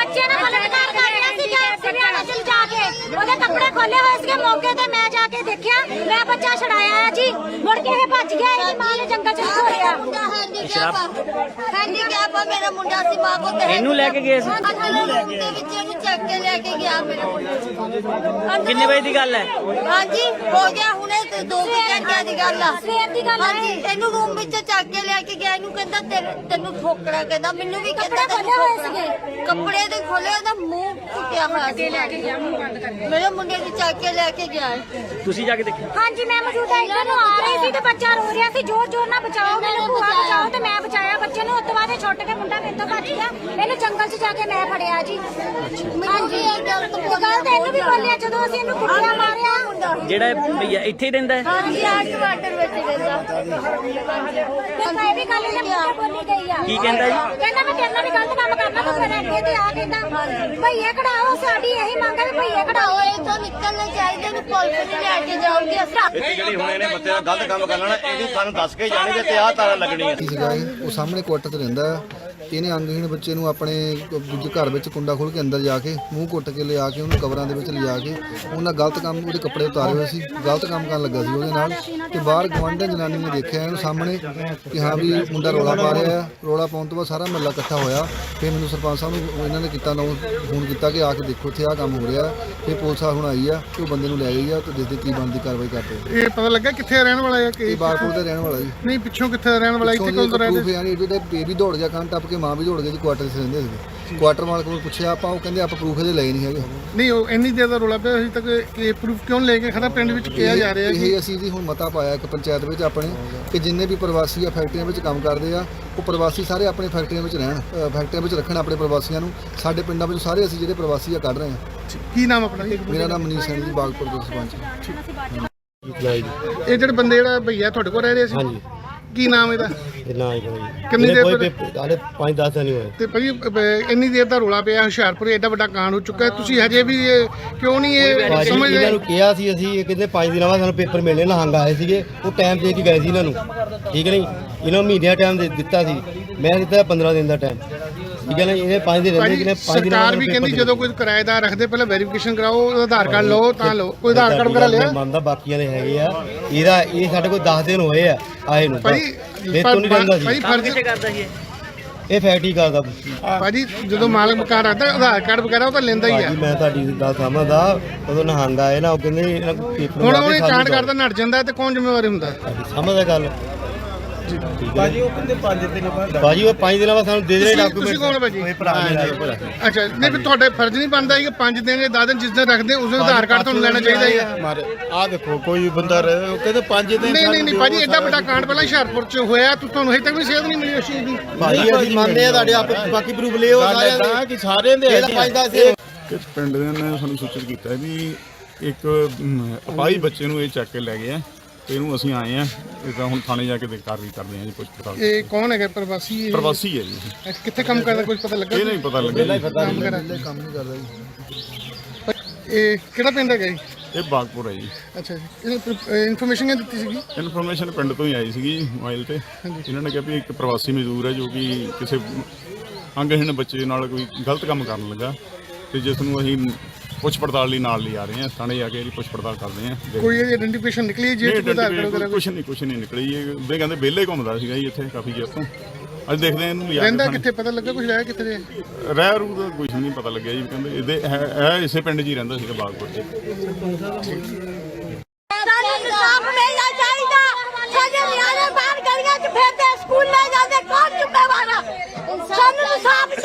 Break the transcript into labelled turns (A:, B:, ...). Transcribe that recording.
A: ਬੱਚੇ ਨੇ ਬਲਾਤਕਾਰ ਕਰ ਲਿਆ ਸੀ ਸਿਵਿਆਣਾ ਚ ਜਾ ਕੇ ਉਹਦੇ ਕੱਪੜੇ ਖੋਲੇ ਹੋਏ ਸੀਗੇ ਮੌਕੇ ਤੇ ਮੈਂ ਜਾ ਕੇ ਦੇਖਿਆ ਮੈਂ ਬੱਚਾ ਛੜਾਇਆ ਜੀ ਮੁੜ ਕੇ ਇਹ ਭੱਜ ਗਿਆ ਇਹਦੀ ਮਾਂ ਨੇ ਜੰਗਲ ਚ ਛੋੜਿਆ
B: ਹੈਂਡੀਕੈਪ ਆ ਮੇਰਾ ਮੁੰਡਾ ਸੀ ਮਾਂ ਕੋ ਤੇ
C: ਇਹਨੂੰ ਲੈ ਕੇ ਗਏ ਸੀ
B: ਦੇ ਵਿੱਚ ਇਹਨੂੰ ਚੱਕ ਕੇ ਲੈ ਕੇ ਗਿਆ ਮੇਰਾ ਮੁੰਡਾ
C: ਕਿੰਨੇ ਵਜੇ ਦੀ ਗੱਲ ਹੈ?
B: ਹਾਂਜੀ ਹੋ ਗਿਆ ਹੁਣੇ ਤੇ 2 ਘੰਟਿਆਂ ਦੀ ਗੱਲ ਆ
A: ਸਵੇਰ ਦੀ ਗੱਲ
B: ਹਾਂਜੀ ਇਹਨੂੰ ਰੂਮ ਵਿੱਚ ਚੱਕ ਕੇ ਲੈ ਕੇ ਗਿਆ ਇਹਨੂੰ ਕਹਿੰਦਾ ਤੈਨੂੰ ਠੋਕਰਾ ਕਹਿੰਦਾ ਮੈਨੂੰ ਵੀ ਕਹਿੰਦਾ
A: ਖੋਲੇ ਹੋਏ ਸੀਗੇ
B: ਕੱਪੜੇ ਦੇ ਖੋਲੇ ਉਹਦਾ ਮੂੰਹ ਟੁੱਟਿਆ ਹੋਇਆ ਸੀ ਲੈ ਕੇ ਗਿਆ ਮੂੰਹ ਬੰਦ ਕਰਕੇ ਮੇਰੇ ਮੁੰਡੇ ਨੂੰ ਚੱਕ ਕੇ ਲੈ ਕੇ ਗਿਆ
C: ਤੁਸੀਂ ਜਾ ਕੇ ਦੇਖਿਆ?
A: ਹਾਂਜੀ ਮੈਂ ਮੌਜੂਦਾ ਇੱਧਰ ਨੂੰ ਆ ਰਹੀ ਸੀ ਤੇ ਬੱਚਾ ਰੋ ਰਿਹਾ ਸੀ ਜ਼ੋਰ ਜ਼ੋਰ ਨਾਲ ਬਚਾਓ ਮੈਨੂੰ ਭੂਆ ਬਚਾਓ ਤੇ ਮੈਂ ਬਚਾਇਆ ਬੱਚੇ ਨੂੰ। ਉਸ ਤੋਂ ਬਾਅਦ ਇਹ ਛੁੱਟ ਕੇ ਮੁੰਡਾ ਮੇਰੇ ਤੋਂ ਭੱਜ ਗਿਆ ਇਹਨੂੰ ਜੰਗਲ 'ਚ ਜਾ ਕੇ ਮੈਂ ਫੜਿਆ ਜੀ। ਹਾਂਜੀ ਗੱਲ ਤਾਂ ਇਹਨੂੰ ਵੀ ਬੋਲਿਆ ਜਦੋਂ ਅਸੀਂ ਇਹਨੂੰ ਕੁੱਟਿਆ ਮਾਰਿਆ।
C: ਜਿਹੜਾ ਇਹ ਭਈਆ ਇੱਥੇ ਹੀ ਰਹਿੰਦਾ ਹੈ?
B: ਹਾਂਜੀ ਆ ਟਮਾਟਰ ਵਿੱਚ ਰਹਿੰਦਾ
A: ਤੇ ਮੈਂ ਵੀ ਕੱਲ ਇਹਨੇ ਮੁੰਡੇ ਬੋਲੀ ਗਈ ਆ।
C: ਕੀ ਕਹਿੰਦਾ ਜੀ?
A: ਕਹਿੰਦਾ ਮੈਂ ਤੇਰੇ ਨਾਲ ਵੀ ਗਲਤ ਕੰਮ ਕਰਨਾ ਤੂੰ ਫਿਰ ਅੱਗੇ ਤੇ ਆ ਕਹਿੰਦਾ ਭਈਏ ਕਢਾਓ ਸਾਡੀ ਇਹੀ ਮੰਗ ਹੈ ਵੀ ਭਈਏ ਕਢਾਓ।
B: ਇਹ ਤੋਂ ਨਿਕਲਣਾ ਚਾਹੀਦਾ ਨੂੰ ਪੁਲਿਸ ਨੇ ਲੈ ਕੇ ਜਾਊਗੀ
D: ਇੱਥੇ ਜਿਹੜੀ ਹੁਣ ਇਹਨੇ ਬੱਚੇ ਦਾ ਗਲਤ ਕੰਮ ਕਰ ਲੈਣਾ ਇਹਦੀ ਸਾਨੂੰ ਦੱਸ ਕੇ ਜਾਣਗੇ ਤੇ ਆਹ ਤਾਰਾਂ ਲੱਗਣੀਆਂ।
E: ਉਹ ਸਾਹਮਣੇ ਕੁਆਟਰ ਤੇ ਰਹਿੰਦਾ ਇਹਨੇ ਅੰਗਹੀਣ ਬੱਚੇ ਨੂੰ ਆਪਣੇ ਦੂਜੇ ਘਰ ਵਿੱਚ ਕੁੰਡਾ ਖੋਲ ਕੇ ਅੰਦਰ ਜਾ ਕੇ ਮੂੰਹ ਕੁੱਟ ਕੇ ਲਿਆ ਕੇ ਉਹਨੂੰ ਕਬਰਾਂ ਦੇ ਵਿੱਚ ਲਿਜਾ ਕੇ ਉਹਨਾਂ ਗਲਤ ਕੰਮ ਉਹਦੇ ਕੱਪੜੇ ਉਤਾਰੇ ਹੋਏ ਸੀ ਗਲਤ ਕੰਮ ਕਰਨ ਲੱਗਾ ਸੀ ਉਹਦੇ ਨਾਲ ਤੇ ਬਾਹਰ ਗਵਾਂਢਣ ਜਨਾਨੀ ਨੇ ਦੇਖਿਆ ਇਹਨੂੰ ਸਾਹਮਣੇ ਕਿ ਹਾਂ ਵੀ ਮੁੰਡਾ ਰੌਲਾ ਪਾ ਰਿਹਾ ਆ। ਰੌਲਾ ਪਾਉਣ ਤੋਂ ਬਾਅਦ ਸਾਰਾ ਮਹੱਲਾ ਇਕੱਠਾ ਹੋਇਆ ਫਿਰ ਮੈਨੂੰ ਸਰਪੰਚ ਸਾਹਿਬ ਨੂੰ ਇਹਨਾਂ ਨੇ ਕੀਤਾ ਫੋਨ ਕੀਤਾ ਕਿ ਆ ਕੇ ਦੇਖੋ ਇੱਥੇ ਆਹ ਕੰਮ ਹੋ ਰਿਹਾ। ਫਿਰ ਪੁਲਿਸ ਹੁਣ ਆਈ ਆ ਤੇ ਉਹ ਬੰਦੇ ਨੂੰ ਲੈ ਗਈ ਆ ਤੇ ਦੇਖਦੇ ਕੀ ਬਣਦੀ ਕਾਰਵਾਈ ਕਰਦੇ।
F: ਇਹ ਪਤਾ ਲੱਗਾ ਕਿੱਥੇ ਰਹਿਣ ਵਾਲਾ ਹੈ ਕਿ
E: ਇਹ ਬਾਰਪੁਰ ਦਾ ਰਹਿਣ ਵਾਲਾ ਜੀ।
F: ਨਹੀਂ ਪਿੱਛੋਂ ਕਿੱਥੇ ਰਹਿਣ ਵਾਲਾ ਇੱਥੇ ਕੋਲ ਰਹਿੰਦਾ
E: ਯਾਨੀ ਇਹਦੇ ਬੇਬੀ ਦੌੜ ਗਿਆ ਕੰਨ ਟੱਪ ਕੇ ਮਾਂ ਵੀ ਦੌੜ ਗਈ ਜੀ ਕੁਆਟਰ 'ਚ ਰਹਿੰਦੇ ਸੀ। ਕੁਆਟਰ ਮਾਲਕ ਕੋਲ ਪੁੱਛਿਆ ਆਪਾਂ ਉਹ ਕਹਿੰਦੇ ਆਪਾਂ ਪ੍ਰੂਫ ਇਹਦੇ ਲਏ ਨਹੀਂ ਹੈਗੇ।
F: ਨਹੀਂ ਉਹ ਇੰਨੀ ਦੇਰ ਦਾ ਰੋਲਾ ਪਿਆ ਅਜੇ ਤੱਕ ਇਹ ਪ੍ਰੂਫ ਕਿਉਂ ਲੈ ਕੇ ਖੜਾ ਪਿੰਡ ਵਿੱਚ ਕਿਹਾ ਜਾ ਰਿਹਾ
E: ਇਹ ਅਸੀਂ ਜੀ ਹੁਣ ਮਤਾ ਪਾਇਆ ਇੱਕ ਪੰਚਾਇਤ ਵਿੱਚ ਆਪਣੇ ਕਿ ਜਿੰਨੇ ਵੀ ਪ੍ਰਵਾਸੀ ਆ ਫੈਕਟਰੀਆਂ ਵਿੱਚ ਕੰਮ ਕਰਦੇ ਆ ਉਹ ਪ੍ਰਵਾਸੀ ਸਾਰੇ ਆਪਣੇ ਫੈਕਟਰੀਆਂ ਵਿੱਚ ਰਹਿਣ ਫੈਕਟਰੀਆਂ ਵਿੱਚ ਰੱਖਣ ਆਪਣੇ ਪ੍ਰਵਾਸੀਆਂ ਨੂੰ। ਸਾਡੇ ਪਿੰਡਾਂ ਵਿੱਚ ਸਾਰੇ ਅਸੀਂ ਜਿਹੜੇ ਪ੍ਰਵਾਸੀ ਆ ਕੱਢ ਰਹੇ ਹਾਂ।
F: ਕੀ ਨਾਮ ਆਪਣਾ?
E: ਮੇਰਾ ਨਾਮ ਮਨੀਸ਼ ਸਿੰਘ ਜੀ ਬਾਗਪੁਰ ਦੇ ਸਰਪੰਚ।
F: ਇਹ ਜਿਹੜੇ ਬੰਦੇ ਜਿਹੜਾ ਭਈਆ ਤੁਹਾਡੇ ਕੋਲ ਰਹਿ ਰਹੇ ਸੀ
G: ਹਾਂਜੀ
F: ਕੀ ਨਾਮ ਇਹਦਾ?
G: ਨਾ ਹੀ ਕੋਈ
F: ਕਿੰਨੀ ਦੇਰ
G: ਕੋਈ
F: ਤੋਂ-
G: ਹਾਲੇ 5-10 ਦਿਨ ਹੀ ਹੋਏ।
F: ਤੇ ਭਾਈ ਇੰਨੀ ਦੇਰ ਦਾ ਰੋਲਾ ਪਿਆ ਹੁਸ਼ਿਆਰਪੁਰ ਐਡਾ ਵੱਡਾ ਕਾਂਡ ਹੋ ਚੁੱਕਾ ਹੈ ਤੁਸੀਂ ਹਜੇ ਵੀ ਕਿਉਂ ਨਹੀਂ ਇਹ
G: ਭਾਜੀ
F: ਸਮਝਦੇ?
G: ਇਹਨਾਂ ਨੂੰ ਕਿਹਾ ਸੀ ਅਸੀਂ ਇਹ ਕਹਿੰਦੇ 5 ਦਿਨਾਂ ਬਾਅਦ ਸਾਨੂੰ ਪੇਪਰ ਮਿਲਣੇ ਨਹੰਗ ਆਏ ਸੀਗੇ ਉਹ ਟਾਈਮ ਦੇ ਕੇ ਗਏ ਸੀ ਇਹਨਾਂ ਨੂੰ ਠੀਕ ਨਹੀਂ ਇਹਨਾਂ ਨੂੰ ਮਹੀਨਿਆਂ ਟਾਈਮ ਦੇ ਦਿੱਤਾ ਸੀ ਮੈਂ ਦਿੱਤਾ 15 ਦਿਨ ਦਾ ਟਾਈਮ ਠੀਕ ਹੈ ਨਾ ਇਹਨੇ 5 ਦਿਨ ਰਹਿੰਦੇ ਕਿਨੇ 5 ਦਿਨਾਂ
F: ਸਰਕਾਰ ਵੀ ਕਹਿੰਦੀ ਜਦੋਂ ਕੋਈ ਕਿਰਾਏਦਾਰ ਰੱਖਦੇ ਪਹਿਲਾਂ ਵੈਰੀਫਿਕੇਸ਼ਨ ਕਰਾਓ ਉਹਦਾ ਆਧਾਰ ਕਾਰਡ ਲਓ ਤਾਂ ਲਓ ਕੋਈ ਆਧਾਰ ਕਾਰਡ ਵਗੈਰਾ ਲਿਆ
G: ਮੰਨਦਾ ਬਾਕੀਆਂ ਦੇ ਹੈਗੇ ਆ ਇਹਦਾ ਇਹ ਸਾਡੇ ਕੋਲ 10 ਦਿਨ ਹੋਏ ਆ ਆਏ ਨੂੰ
F: ਭਾਈ
G: ਇਹ ਤੋਂ ਨਹੀਂ ਰਹਿੰਦਾ ਸੀ
F: ਭਾਈ ਫਰਜ਼
C: ਕਰਦਾ ਸੀ
G: ਇਹ ਫੈਕਟਰੀ ਕਰਦਾ
F: ਭਾਜੀ ਜਦੋਂ ਮਾਲਕ ਮਕਾਨ ਰੱਖਦਾ ਆਧਾਰ ਕਾਰਡ ਵਗੈਰਾ ਉਹ ਤਾਂ ਲੈਂਦਾ ਹੀ ਆ।
G: ਭਾਜੀ ਮੈਂ ਤੁਹਾਡੀ ਗੱਲ ਸਮਝਦਾ ਉਦੋਂ ਨਹੰਗ ਆਏ ਨਾ ਉਹ ਕਹਿੰਦੇ ਇਹਨਾਂ ਕੋਲ ਪੇਪਰ
F: ਹੁਣ ਉਹਨੇ ਕਾਂਡ ਕਰਦਾ ਨੱਟ ਜਾਂਦਾ ਤੇ ਕੌਣ ਜ਼ਿੰਮੇਵਾਰ ਹੁੰਦਾ?
G: ਸਮਝਦਾ ਗੱਲ ਭਾਜੀ ਉਹ ਕਹਿੰਦੇ 5 ਦਿਨ ਬਾਅਦ ਭਾਜੀ ਉਹ 5 ਦਿਨਾਂ ਬਾਅਦ ਸਾਨੂੰ ਦੇ ਦੇ ਡਾਕੂਮੈਂਟ।
F: ਤੁਸੀਂ ਕੌਣ ਭਾਜੀ?
G: ਇਹ ਭਰਾ ਮੇਰਾ
F: ਅੱਛਾ ਨਹੀਂ ਫਿਰ ਤੁਹਾਡੇ ਫਰਜ਼ ਨਹੀਂ ਬਣਦਾ ਕਿ 5 ਦਿਨ ਜਾਂ 10 ਦਿਨ ਜਿਸ ਦਿਨ ਰੱਖਦੇ ਉਸ ਦਿਨ ਆਧਾਰ ਕਾਰਡ ਤੁਹਾਨੂੰ ਲੈਣਾ ਚਾਹੀਦਾ ਹੈ।
D: ਮਾਰੇ ਆ ਦੇਖੋ ਕੋਈ ਬੰਦਾ ਉਹ ਕਹਿੰਦੇ 5 ਦਿਨ
F: ਨਹੀਂ ਭਾਜੀ ਐਡਾ ਵੱਡਾ ਕਾਂਡ ਪਹਿਲਾਂ ਹੁਸ਼ਿਆਰਪੁਰ ਚ ਹੋਇਆ ਤੁਹਾਨੂੰ ਹਜੇ ਤੱਕ ਵੀ ਸੇਧ ਨਹੀਂ ਮਿਲੀ ਉਸ ਚੀਜ਼ ਦੀ।
G: ਭਾਜੀ ਅਸੀਂ ਮੰਨਦੇ ਆ ਤੁਹਾਡੇ ਆਪ ਬਾਕੀ ਪ੍ਰੂਫ ਲਿਓ ਸਾਰਿਆਂ ਦੇ
D: ਕਿ ਸਾਰਿਆਂ ਦੇ
G: ਇਹਦਾ 5-10
H: ਕਿ ਪਿੰਡ ਦੇ ਨੇ ਸਾਨੂੰ ਸੂਚਿਤ ਕੀਤਾ ਵੀ ਇੱਕ ਅਪਾਹਜ ਬੱਚੇ ਨੂੰ ਇਹ ਚੱਕ ਕੇ ਲੈ ਗਏ ਆ ਤੇ ਇਹਨੂੰ ਅਸੀਂ ਆਏ ਆ ਇਹਦਾ ਹੁਣ ਥਾਣੇ ਜਾ ਕੇ ਕਾਰਵਾਈ ਕਰਦੇ ਆ ਜੀ ਪੁੱਛ ਪੜਤਾਲ।
F: ਇਹ ਕੌਣ ਹੈਗਾ ਪ੍ਰਵਾਸੀ?
H: ਪ੍ਰਵਾਸੀ ਹੈ ਜੀ
F: ਇਹ ਕਿੱਥੇ ਕੰਮ ਕਰਦਾ ਕੁਝ ਪਤਾ ਲੱਗਾ?
H: ਇਹ ਨਹੀਂ ਪਤਾ ਲੱਗਿਆ ਜੀ।
F: ਕੰਮ ਕਰਦਾ
E: ਕੰਮ ਨਹੀਂ ਕਰਦਾ ਜੀ।
F: ਇਹ ਕਿਹੜਾ ਪਿੰਡ ਹੈਗਾ ਜੀ?
H: ਇਹ ਬਾਗਪੁਰ ਹੈ ਜੀ।
F: ਅੱਛਾ ਜੀ ਇਨਫੋਰਮੇਸ਼ਨ ਕਿਹਨੇ ਦਿੱਤੀ ਸੀਗੀ?
H: ਇਨਫੋਰਮੇਸ਼ਨ ਪਿੰਡ ਤੋਂ ਹੀ ਆਈ ਸੀਗੀ ਮੋਬਾਈਲ ਤੇ ਇਹਨਾਂ ਨੇ ਕਿਹਾ ਵੀ ਇੱਕ ਪ੍ਰਵਾਸੀ ਮਜ਼ਦੂਰ ਹੈ ਜੋ ਕਿ ਕਿਸੇ ਅੰਗਹੀਣ ਬੱਚੇ ਨਾਲ ਕੋਈ ਗਲਤ ਕੰਮ ਕਰਨ ਲੱਗਾ ਤੇ ਜਿਸ ਨੂੰ ਅਸੀਂ ਪੁੱਛ ਪੜਤਾਲ ਲਈ ਨਾਲ ਲਿਆ ਰਹੇ ਹਾਂ ਥਾਣੇ ਜਾ ਕੇ ਇਹਦੀ ਪੁੱਛ ਪੜਤਾਲ ਕਰਦੇ ਹਾਂ।
F: ਕੋਈ ਇਹਦੀ ਆਇਡੈਂਟੀਫਿਕੇਸ਼ਨ ਨਿਕਲੀ ਜੇ ਕੋਈ ਆਧਾਰ ਕਾਰਡ ਵਗੈਰਾ?
H: ਕੁਛ ਨਹੀਂ ਨਿਕਲੀ ਇਹ ਵੀ ਕਹਿੰਦੇ ਵਿਹਲੇ ਘੁੰਮਦਾ ਸੀਗਾ ਜੀ ਇੱਥੇ ਕਾਫੀ ਚਿਰ ਤੋਂ। ਅੱਜ ਦੇਖਦੇ ਹਾਂ ਇਹਨੂੰ ਲਿਆ
F: ਰਹਿੰਦਾ ਕਿੱਥੇ ਪਤਾ ਲੱਗਾ ਕੁਝ ਰਹਿ ਕਿੱਥੇ ਦੇ?
H: ਰਹਿ ਰੂ ਦਾ ਕੁਝ ਨਹੀਂ ਪਤਾ ਲੱਗਿਆ ਜੀ ਕਹਿੰਦੇ ਇਹਦੇ ਹੈ ਇਸੇ ਪਿੰਡ 'ਚ ਹੀ ਰਹਿੰਦਾ ਸੀਗਾ ਬਾਗਪੁਰ 'ਚ।
B: ਸਾਨੂੰ ਇਨਸਾਫ ਮਿਲਣਾ ਚਾਹੀਦਾ ਸਾਡੇ ਨਿਆਣੇ ਬਾਹਰ ਗਲੀਆਂ 'ਚ ਫਿਰਦੇ ਸਕੂਲ ਲੈ ਜਾਂਦੇ ਕੌਣ ਜ਼ਿੰਮੇਵਾਰ ਆ? ਸਾਨੂੰ ਇਨਸਾਫ